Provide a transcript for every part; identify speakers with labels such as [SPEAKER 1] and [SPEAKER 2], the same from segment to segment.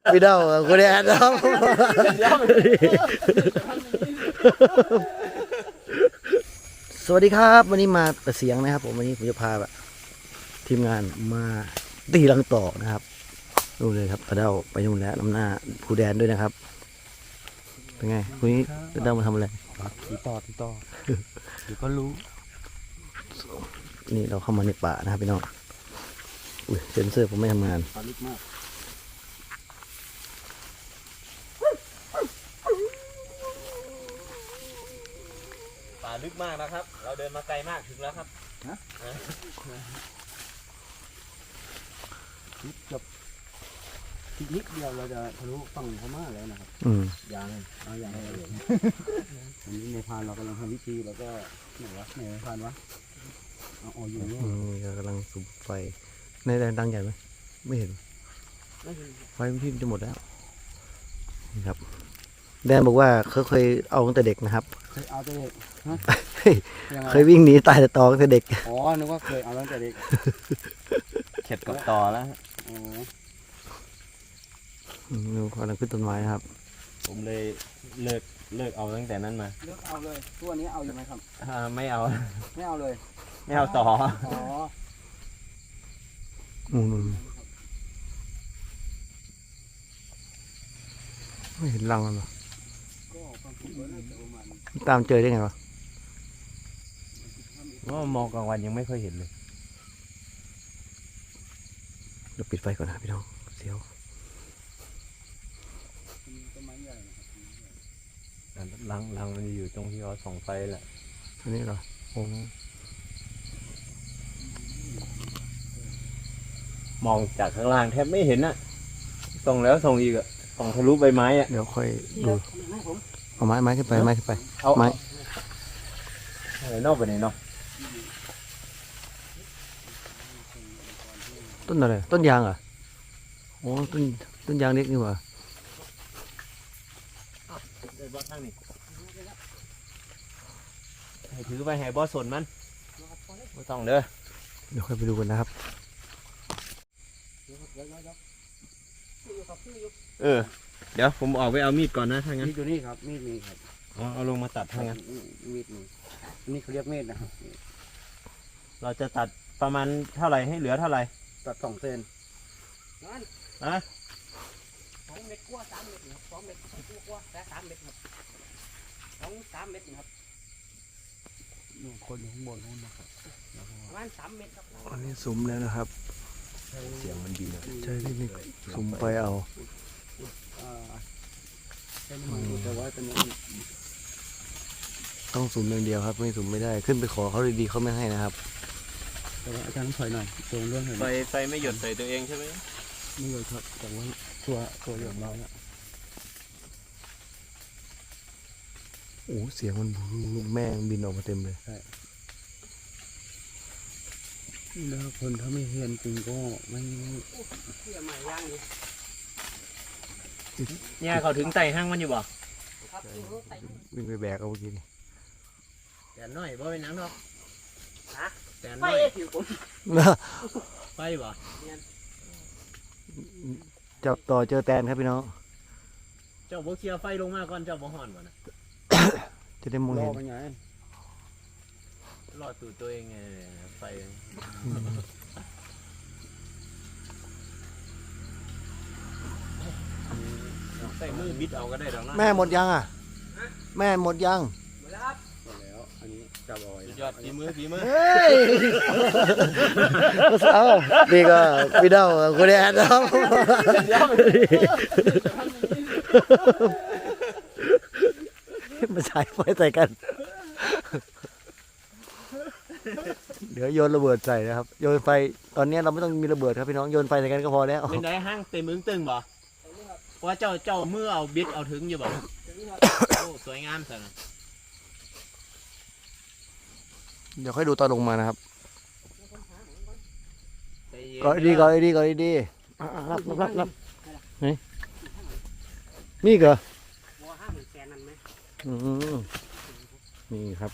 [SPEAKER 1] พี่เดาคุณแอนครับสวัสดีครับวันนี้มาแต่เสียงนะครับผมวันนี้ผมจะพาแบบทีมงานมาตีลังต่อนะครับดูเลยครับเดาไปนู่นแล้วน้ำหน้าผู้แดนด้วยนะครับเป็นไงวันนี้เดามาทำอะไร
[SPEAKER 2] ตีต่อเดี๋ยวก็รู้
[SPEAKER 1] นี่เราเข้ามาในป่านะครับพี่น้องอุ้ยเซนเซอร์ผมไม่ทำงาน
[SPEAKER 2] ปลาลึกมาก
[SPEAKER 3] ป่าลึกมากนะครับเราเดินมาไกลมากถึงแล้วครับ
[SPEAKER 2] ทีนิดเดียวเราจะทะลุฝั่งพม่าแล้วนะครับอย่างอันนี้ในพานเรากำลังทำวิธีแล้วก็ไหนในพานวะเอาอยู่นี่
[SPEAKER 1] กำลังสูบไฟในแรงดังใหญ่ไหมไม่เห็นไฟพี่จะหมดแล้วนี่ครับแดนบอกว่าเขาเคยเอาตั้งแต่เด็กนะครับ
[SPEAKER 2] เคยเอาตั้งแต่เด็ก
[SPEAKER 1] เคยวิ่งหนีตายแต่ตอตั้งแต่เด็ก
[SPEAKER 2] อ๋อนึกว่าเคยเอาตั้งแต่เด็ก
[SPEAKER 3] เข็ดกับต่อแล้ว
[SPEAKER 1] ดูกำลังขึ้นต้นไม้ครับ
[SPEAKER 3] ผมเลยเลิกเอาตั้งแต่นั้นมา
[SPEAKER 2] เลิกเอาเลยตัวนี้เอาอยู่ไหมครับ
[SPEAKER 3] ไม่เอา
[SPEAKER 2] เลย
[SPEAKER 3] ไม่เอาต่อ
[SPEAKER 1] ไม่เห็นรังมันหรอตามเจอได้ไงวะ
[SPEAKER 3] ว่ามองกลางวันยังไม่ค่อยเห็นเลย
[SPEAKER 1] เดี๋ยวปิดไฟก่อนนะพี่น้องเสียว
[SPEAKER 3] ลังมันอยู่ตรงที่เราส่องไฟแหละ
[SPEAKER 1] อันนี้เหรอโอ้
[SPEAKER 3] มองจากข้างล่างแทบไม่เห็นนะส่องแล้วส่องอีกอะส่องทะลุใบไม้อะ
[SPEAKER 1] เดี๋ยวค่อยดูเอาไม้ขึ้นไปไม้
[SPEAKER 3] อะไรนอกไปไหนเนาะ
[SPEAKER 1] ต้นอะไรต้นยางอ่ะโอ้ต้นยางเล็กนี่หว่า
[SPEAKER 3] ให้ถือไปให้บอสสนมันไม่ต้องเด้อ
[SPEAKER 1] เดี๋ยวค่อยไปดูกันนะครับ
[SPEAKER 3] เดี๋ยวผมออกไปเอามีดก่อนนะถ้างั้น
[SPEAKER 2] มีดอยู่นี่ครับมีดมีครับ
[SPEAKER 3] เอาลงมาตัดถ้างั้น
[SPEAKER 2] มีดนี่เขาเรียกมีดนะครับ
[SPEAKER 3] เราจะตัดประมาณเท่าไหร่ให้เหลือเท่าไหร่
[SPEAKER 2] ตัด2 เซน
[SPEAKER 4] 2 เมตรกว่า3 เมตรครับ2 เมตรกว่าแต่3 เมตรครับ2-3 เมตรครับ
[SPEAKER 2] คนอยู่ข้างบนนู้นนะครับ
[SPEAKER 4] ประมาณ3 เมตรครับ
[SPEAKER 1] อันนี้สุมแล้วนะครับ
[SPEAKER 3] เสียงมันดีนะ
[SPEAKER 1] ใช่ที่นี่สุมไปเอา
[SPEAKER 2] แต่ว่าตอนนี้
[SPEAKER 1] ต้องสุมอย่างเดียวครับไม่สุมไม่ได้ขึ้นไปขอเขาดีๆเขาไม่ให้นะครับ
[SPEAKER 2] แต่ว่าอาจารย์ถอยหน่อยตัวเรื่องหน่อย
[SPEAKER 3] ไฟไม่หยดใส่ตัวเองใช่ไหม
[SPEAKER 2] ไม่หยดครับแต่ว่าตัวหยดเราเนี่ย
[SPEAKER 1] โอ้เสียงมันลูกแม่บินออกมาเต็มเลย
[SPEAKER 2] แล้วคนถ้าไม่เห็นจริงก็ไม่
[SPEAKER 3] เนี่ยเขาถึงไต่ห้างมันอยู่บ่
[SPEAKER 1] วิ่งไปแบกเอาเมื่อกี้นี่
[SPEAKER 3] แต่น้อยบ่เป็นนังหรอกแต่น้อยไปบ่
[SPEAKER 1] จับต่อเจอแตนครับพี่น้อง
[SPEAKER 3] เจ้าบ่เคลียร์ไฟลงมาก่อนเจ้าบ่ห่อนบ่นะ
[SPEAKER 1] จะได้มองเห็น
[SPEAKER 3] รอดตูตัวเองไงไฟใส่มือบิดเอาก็ได้ดอกนะ
[SPEAKER 1] แม่หมดยังอ่ะแม่หมดยัง
[SPEAKER 4] หมดแล้วครับ
[SPEAKER 2] หมดแล้วอันนี้จับเอาไว้
[SPEAKER 3] ยอดฝีมือ
[SPEAKER 1] เฮ้ยนี่ก็พี่เดาคุณแอนครับมาใช้ไฟใส่กันเดี๋ยวโยนระเบิดใส่นะครับโยนไฟตอนนี้เราไม่ต้องมีระเบิดครับพี่น้องโยนไฟใส่กันก็พอแล้ว
[SPEAKER 3] เป็นได้ห้างเต็มมึงตึงบ่ว่าเจ้ามือเอาบิดเอาถึงอยู่บ่โอ้สวยงามสัน
[SPEAKER 1] เดี๋ยวค่อยดูตอนลงมานะครับก่อนดีรับนี่เหรอนี่ครับ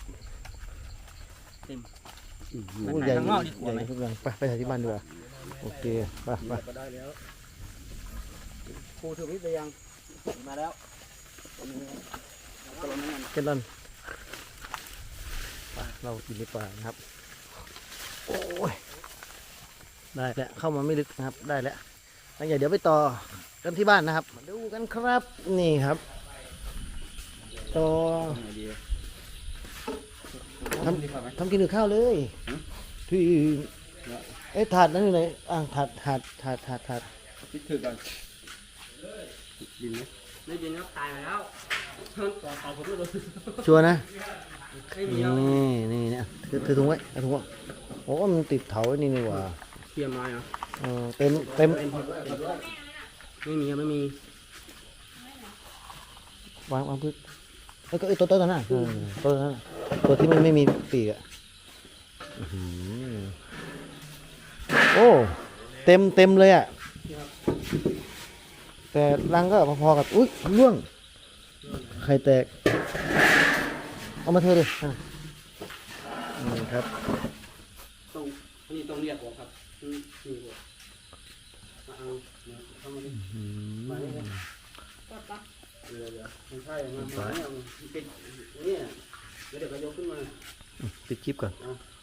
[SPEAKER 1] ใหญ่ทุกอย่างไปถ่ายที่บ้านดีกว่าโอเคไป
[SPEAKER 2] ปูถึงนิดเลยยัง
[SPEAKER 3] มาแล้ว
[SPEAKER 2] ก็ลงนั่น
[SPEAKER 1] เก็ดลอนไปเรากินดีกว่านะครับโอ้ยได้แล้วเข้ามาไม่ลึกนะครับได้แล้วแล้วเดี๋ยวไปต่อกันที่บ้านนะครับมาดูกันครับนี่ครับต่อ
[SPEAKER 2] ไหนดี
[SPEAKER 1] ทำกินกับข้าวเลยที่เอ๊ะถาดนั่นอยู่ไหนถาด
[SPEAKER 2] คิดถือกันดินไหม
[SPEAKER 4] ได้ยินครับตายมาแล้วต่อผมไม่รู้
[SPEAKER 1] ชัวร์นะ
[SPEAKER 4] ไม่มี
[SPEAKER 1] นี่เนี่ยถือถุงไว้เอาถุงไว้โอ้มันติดเถาไว้นี่นี่หว่า
[SPEAKER 4] เตรียมมาเหรอ
[SPEAKER 1] เต็ม
[SPEAKER 4] ไม่มีไม่มี
[SPEAKER 1] วางพื้นแล้วก็ตัวนั้นน่ะตัวนั้นน่ะตัวที่มันไม่มีปีกอ่ะอื้อหือโอ้เต็มเลยอ่ะแต่รังก็พอๆกับอุ้ยร่วงไข่แตกเอามาเทเลยนี่ครับ
[SPEAKER 4] ต้องนี่ต้องเรียกออกครับนี่มาเอาเข้ามาดิมาเลยปั๊บเดี๋ยวไม่ใช่มันเป็นนี่เดี๋ยวก็ยกขึ้นมา
[SPEAKER 1] ปิดคลิปก่อน
[SPEAKER 4] เอา